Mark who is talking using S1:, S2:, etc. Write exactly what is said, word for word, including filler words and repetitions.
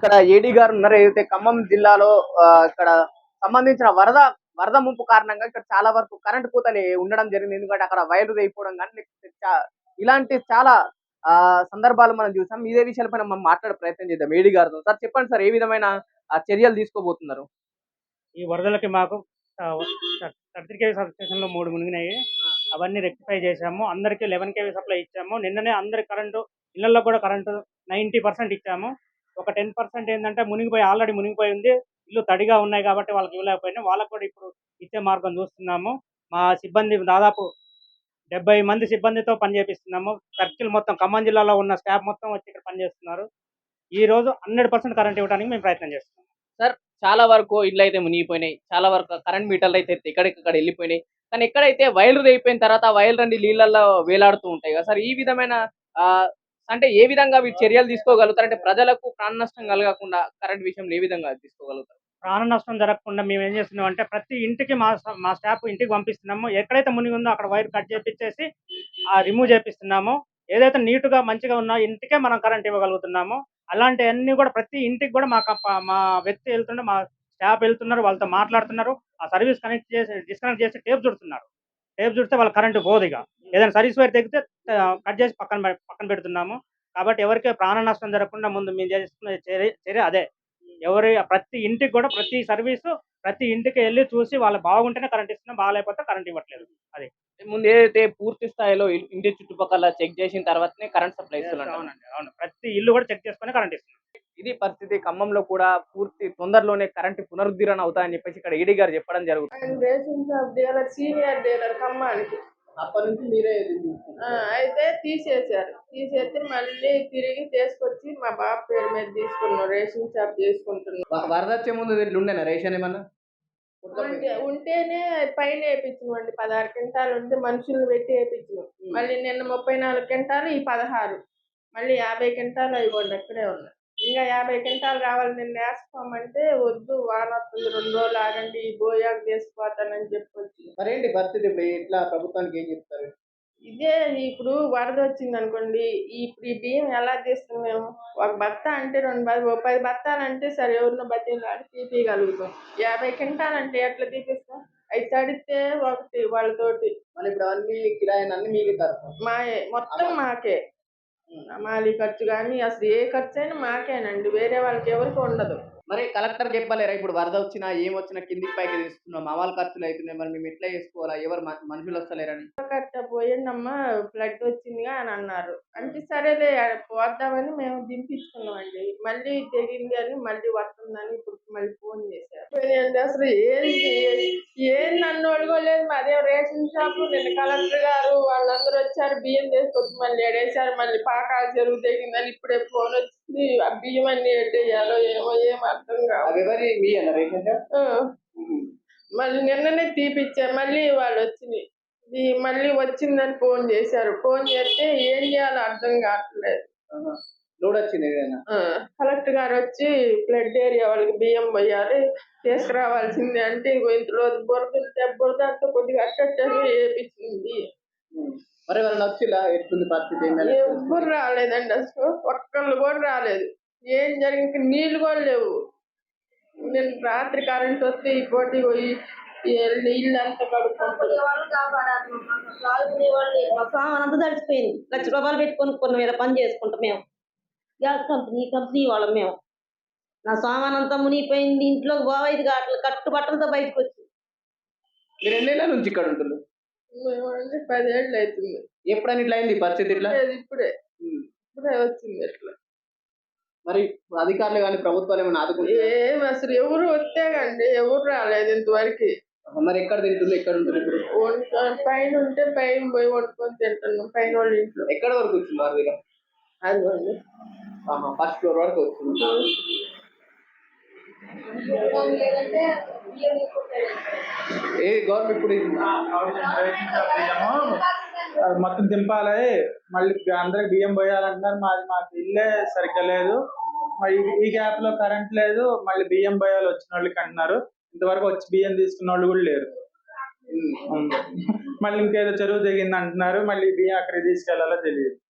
S1: ఇక్కడ ఏడీ గారు ఉన్నారు. ఏదైతే ఖమ్మం జిల్లాలో ఆహ్, ఇక్కడ సంబంధించిన వరద వరద ముంపు కారణంగా ఇక్కడ చాలా వరకు కరెంట్ కోతలు ఉండడం జరిగింది. ఎందుకంటే అక్కడ వైర్లు తెగిపోవడం గాని లేకపోతే చా ఇలాంటి చాలా ఆహ్, సందర్భాలు మనం చూసాం. ఇదే విషయాలపైన మనం మాట్లాడే ప్రయత్నం చేద్దాం ఏడీ గారితో. సార్ చెప్పండి సార్ ఏ విధమైన ఆహ్, చర్యలు తీసుకోబోతున్నారు?
S2: ఈ వరదలకి మాకు ఆహ్, థ థర్టీ కేవీ సబ్‌స్టేషన్‌లో మూడు మునిగినాయి. అవన్నీ రెక్టిఫై చేశాము. అందరికి పదకొండు కేవీ సప్లై ఇచ్చాము. నిన్ననే అందరికి కరెంటు ఇళ్లల్లో కూడా కరెంటు తొంభై శాతం ఇచ్చాము. ఒక పది శాతం ఏందంటే మునిగిపోయి ఆల్రెడీ మునిగిపోయి ఉంది. ఇల్లు తడిగా ఉన్నాయి కాబట్టి వాళ్ళకి ఇవ్వలేకపోయినాం. వాళ్ళకి కూడా ఇప్పుడు ఇచ్చే మార్గం చూస్తున్నాము. మా సిబ్బంది దాదాపు డెబ్బై మంది సిబ్బందితో పని చేపిస్తున్నాము. సర్కిల్ మొత్తం ఖమ్మం జిల్లాలో ఉన్న స్టాఫ్ మొత్తం వచ్చి ఇక్కడ పనిచేస్తున్నారు. ఈరోజు వంద శాతం కరెంట్ ఇవ్వడానికి మేము ప్రయత్నం చేస్తున్నాం.
S1: సార్ చాలా వరకు ఇళ్ళైతే మునిగిపోయినాయి. చాలా వరకు కరెంట్ మీటర్లయితే ఎక్కడికక్కడ ఎళ్ళిపోయినాయి. కానీ ఎక్కడైతే వైర్లు తెగిపోయిన తర్వాత ఆ వైర్లన్నీ నీళ్ళల్లో వేలాడుతూ ఉంటాయి కదా సార్! ఈ విధమైన ఆహ్, అంటే ఏ విధంగా వీళ్ళు చర్యలు తీసుకోగలుగుతారు? అంటే ప్రజలకు ప్రాణ నష్టం కలగకుండా కరెంట్ విషయంలో ఏ విధంగా తీసుకోగలుగుతారు?
S2: ప్రాణ నష్టం జరగకుండా మేము ఏం చేస్తున్నామంటే ప్రతి ఇంటికి మా స మా స్టాఫ్ ఇంటికి పంపిస్తున్నాము. ఎక్కడైతే మునిగి ఉందో అక్కడ వైర్ కట్ చేపిచ్చేసి ఆహ్, రిమూవ్ చేపిస్తున్నాము. ఏదైతే నీట్‌గా మంచిగా ఉన్న ఇంటికే మనం కరెంట్ ఇవ్వగలుగుతున్నాము. అలాంటియన్నీ కూడా ప్రతి ఇంటికి కూడా మా కప మా వ్యక్తి ఎళ్తుంటే మా స్టాఫ్ ఎళ్తున్నారు. వాళ్ళతో మాట్లాడుతున్నారు. ఆ సర్వీస్ కనెక్ట్ చేసి డిస్కనెక్ట్ చేసి టేప్ చుడుతున్నారు. టేప్ చుడితే వాళ్ళ కరెంట్ పోదిగ. ఏదైనా సర్వీస్ వైర్ తెగితే ఆహ్, కట్ చేసి పక్కన పె పక్కన పెడుతున్నాము. కాబట్టి ఎవరికీ ప్రాణ నష్టం జరగకుండా ముందు మేము చేస్తున్న చర్య చర్య అదే. ఎవరి ప్రతి ఇంటికి కూడా ప్రతి సర్వీసు ప్రతి ఇంటికి ఎళ్లి చూసి వాళ్ళు బాగుంటేనే కరెంట్ ఇస్తున్నాం. బాలేకపోతే కరెంట్ ఇవ్వట్లేదు. అది.
S1: ముందు ఏదైతే పూర్తి స్థాయిలో ఇ ఇంటి చుట్టుపక్కల చెక్ చేసిన తర్వాతనే కరెంట్ సప్లై ఇస్తున్నారు.
S2: అవునండి. అవును. ప్రతి ఇల్లు కూడా చెక్ చేసుకొని కరెంట్ ఇస్తున్నాం.
S1: ఇది పరిస్థితి. ఖమ్మంలో కూడా పూర్తి తొందరలోనే కరెంట్ పునరుద్ధరణ అవుతాయని చెప్పేసి ఇక్కడ ఏడీ గారు చెప్పడం జరుగుతుంది.
S3: ఆయన ration shop dealer, senior dealer ఖమ్మానికి.
S1: అప్పటి నుంచి మీరే
S3: ఆ! అయితే తీసేశారు. తీసేస్తే మళ్ళీ తిరిగి తీసుకొచ్చి మా బాబు పేరు మీద తీసుకున్నాం. రేషన్ షాప్ చేసుకుంటున్నాం.
S1: వ వరదొచ్చే ముందు దీంట్లో ఉండేనా రేషన్ ఏమన్నా?
S3: ఉంటే ఉంటేనే పైన ఏపిచ్చినమండి. పదహారు క్వింటాలు ఉంటే మనుషుల్ని పెట్టి ఏపిచ్చినాం. మళ్ళీ నిన్న ముప్పై నాలుగు క్వింటాలు, ఈ పదహారు. మళ్ళీ యాభై క్వింటాలు అయిగోండి అక్కడే ఉన్నాయి. ఇంకా యాభై క్వింటాలు రావాలి నిన్న ఏసుకోమంటే వద్దు వానొస్తుంది రెండు రోజులు ఆగండి ఈ బోయాకు తీసుకుపోతానని చెప్పొచ్చి.
S1: మరేంటి పరిస్థితి ఇప్పుడు ఇట్లా ప్రభుత్వానికి ఏం చెప్తారు?
S3: ఇదే ఇప్పుడు వరదొచ్చిందనుకోండి, ఇప్పుడు ఈ బియ్యం ఎలా తీస్తాం మేము? ఒక బత్తా అంటే రెండు బ ఓ పది బత్తాలంటే సరే ఎవరినో బతిమలాడి తీపియగలుగుతాం. యాభై క్వింటాలంటే ఎట్లా తీపిస్తాం? అయి తడితే ఒకటి వాళ్ళతోటి.
S1: మళ్ళీ ఇప్పుడు అవన్నీ కిరాయిలన్నీ మీకే తరఫున.
S3: మాయే. మొత్తం మాకే. హమాలీ ఖర్చు గాని అసలు ఏ ఖర్చయినా మాకేనండి. వేరే వాళ్ళకి ఎవరికీ ఉండదు.
S1: మరి కలెక్టర్ చెప్పలేరా? ఇప్పుడు వరద వచ్చినా, ఏమొచ్చినా కిందికి పైకి తీస్తున్నాం. మా వాళ్ళ ఖర్చులు అయితున్నాయి. మరి మేము ఎట్లా చేసుకోవాలా? ఎవరు మ మనుషులు వస్తలేరని.
S3: కట్ట పోయిందమ్మా ఫ్లడ్ వచ్చిందిగా అని అన్నారు. అంటే సరేలే పోద్దామని మేము దింపించుకున్నామండి. మళ్ళీ తెగింది అని మళ్ళీ వస్తుందని ఇప్పుడు మళ్ళీ ఫోన్ చేశారు. పోయినాయండి అసలు ఏంది ఏంది అన్నోళ్ళుగో లేదు. మాదేం రేషన్ షాపు. నిన్న కలెక్టర్ గారు వాళ్ళందరూ వచ్చారు. బియ్యం తీసుకొచ్చి మళ్ళీ ఎడేశారు. మళ్ళీ పాకాల చెరువు తెగిందని ఇప్పుడే ఫోన్ వచ్చింది. ఆ బియ్యం అన్ని ఎట్టేయాలో ఏమో ఏం అర్థం కాదు.
S1: అవి ఎవరి మీయేనా రేషన్ షాప్?
S3: ఆ! మళ్ళీ నిన్ననే తీపిచ్చారు. మళ్ళీ వాళ్ళు వచ్చినాయి. ఈ మళ్ళీ వచ్చిందని ఫోన్ చేశారు. ఫోన్ చేస్తే ఏం చేయాలో అర్థం కావట్లేదు.
S1: లోడ్ వచ్చింది ఏదైనా?
S3: ఆ! కలెక్టర్ గారు వచ్చి ఫ్లడ్ ఏరియా వాళ్ళకి బియ్యం పోయాలి తీసుకురావాల్సిందే అంటే ఇగో ఇంతలో బురదుంటే బురదంతా కొద్దిగా అట్టట్టని ఏపిచ్చింది.
S1: మరి ఎవరైనా వచ్చిలా? ఎట్లుంది పరిస్థితి?
S3: ఎవ్వరు రాలేదండి అసలు. ఒక్కళ్ళు కూడా రాలేదు. ఏం జరిగింది నీళ్ళు కూడా లేవు. నిన్న రాత్రి కరెంట్ వస్తే ఈ పూట పోయి ఇల్లంతా కడుక్కుంటున్నాం.
S4: మా సామాన్ అంతా తడిసిపోయింది. లక్ష రూపాయలు పెట్టి కొనుక్కున్నాం మీద పని చేసుకుంటాం మేము. గ్యాస్ కంపెనీ కంపెనీ వాళ్ళం మేము. నా సామాన్ అంతా మునిగిపోయింది. ఇంట్లో బావైదు కావట్లేదు. కట్టు బట్టలతో బయటకు వచ్చింది.
S1: మీరు ఎన్నేళ్ళ నుంచి ఇక్కడ ఉంటున్నారు?
S3: మేమంటే పదేళ్ళు అవుతుంది.
S1: ఎప్పుడని ఇట్లా అయింది పరిస్థితి ఇట్లా?
S3: లేదు ఇప్పుడే. ఇప్పుడే వచ్చింది ఇట్లా.
S1: మరి అధికారులు గాని ప్రభుత్వాలు ఏమైనా ఆదుకుంటారా?
S3: ఏం అసలు ఎవరు వస్తేగండి ఎవరు రాలేదు ఇంతవరకు.
S1: మరి ఎక్కడ తింటున్నారు? ఎక్కడ ఉంటున్నారు ఇప్పుడు?
S3: వండుకొని పైన ఉంటే పైన పోయి వండుకొని తింటున్నాం పైన వాళ్ళ ఇంట్లో.
S1: ఎక్కడ వరకు వచ్చింది వరద?
S3: అదిగోండి.
S1: ఆహా! ఫస్ట్ ఫ్లోర్ వరకు వచ్చింది. ఏ గవర్నమెంట్ ఇప్పుడు
S5: అది మొత్తం దింపాలి. మళ్ళీ అందరికి బియ్యం పోయాలంటున్నారు. మాది మాకు ఇల్లే సరిగ్గా లేదు. మరి ఈ గ్యాప్ లో కరెంట్ లేదు. మళ్ళీ బియ్యం పోయాలి వచ్చిన వాళ్ళకి అంటున్నారు. ఇంతవరకు వచ్చి బియ్యం తీసుకున్న వాళ్ళు కూడా లేరు. మళ్ళీ ఇంకేదో చెరువు దిగింది అంటున్నారు. మళ్ళీ బియ్యం అక్కడికి తీసుకెళ్లాలో తెలియదు.